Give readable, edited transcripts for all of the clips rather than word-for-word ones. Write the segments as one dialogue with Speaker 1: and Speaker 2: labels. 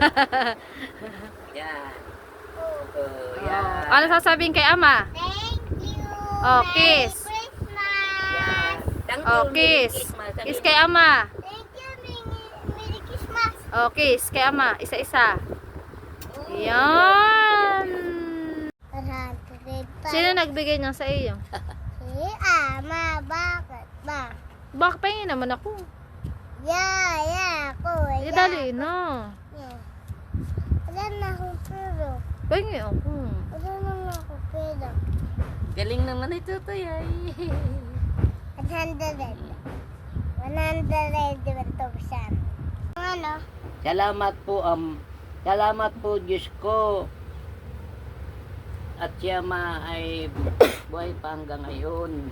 Speaker 1: Yan. Yan.
Speaker 2: Ano sasabihin kay ama?
Speaker 3: Thank you.
Speaker 2: Oh, kiss.
Speaker 3: Merry Christmas.
Speaker 1: Yan. Thank you,
Speaker 2: Oh,
Speaker 1: Merry
Speaker 2: kiss.
Speaker 1: Christmas.
Speaker 2: Kiss kay ama.
Speaker 3: Thank you, Merry Christmas.
Speaker 2: Oh, kiss kay ama. Isa-isa. Yan. Sino nagbigay niya sa iyo?
Speaker 3: Si Ama, bakit ba?
Speaker 2: Bakit pahingin naman ako?
Speaker 3: Yeah, ako.
Speaker 2: Dali na.
Speaker 3: Yeah. Wala na akong pero.
Speaker 2: Pahingin ako.
Speaker 3: Wala na ako pero.
Speaker 1: Galing naman ito, Toy.
Speaker 3: 100. 100. Ano?
Speaker 1: Salamat po, Diyos ko. At siya ay buhay pa hanggang ngayon.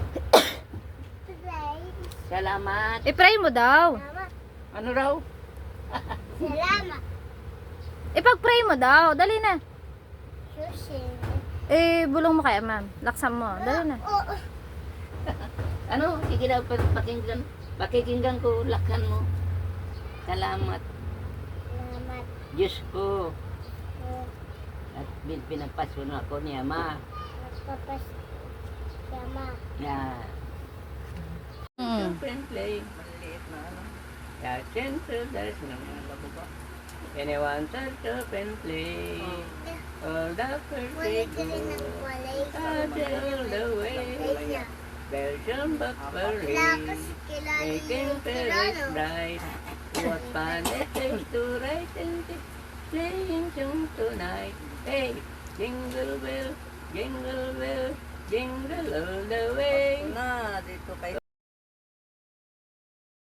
Speaker 1: Salamat.
Speaker 2: I-pray mo daw.
Speaker 3: Salamat.
Speaker 1: Ano raw?
Speaker 3: Salamat.
Speaker 2: Ipag-pray mo daw. Dali na.
Speaker 3: Sushi.
Speaker 2: Bulong mo kay ama. Laksan mo. Dali na.
Speaker 3: Oo.
Speaker 1: Ano? Sige daw, pakikinggan ko, lakhan mo. Salamat,
Speaker 3: Salamat.
Speaker 1: Diyos ko. At pinagpaso na ako ni Ama.
Speaker 3: Nagpapas. Sama.
Speaker 1: Yan.
Speaker 2: Mm.
Speaker 1: Friendly. Maliit na ano. Yeah, center, there's no labo ba? Anyone to friendly. All the
Speaker 3: Wala
Speaker 1: perfect
Speaker 3: ka rin ng walay.
Speaker 1: all the way. Belgium Buckberry.
Speaker 3: Wala kasi kilala
Speaker 1: Making
Speaker 3: yung
Speaker 1: Paris
Speaker 3: kilala.
Speaker 1: bright. What fun it is to write and playing tune tonight. Hey, jingle bell, jingle all the way.
Speaker 4: Na, dito kayo.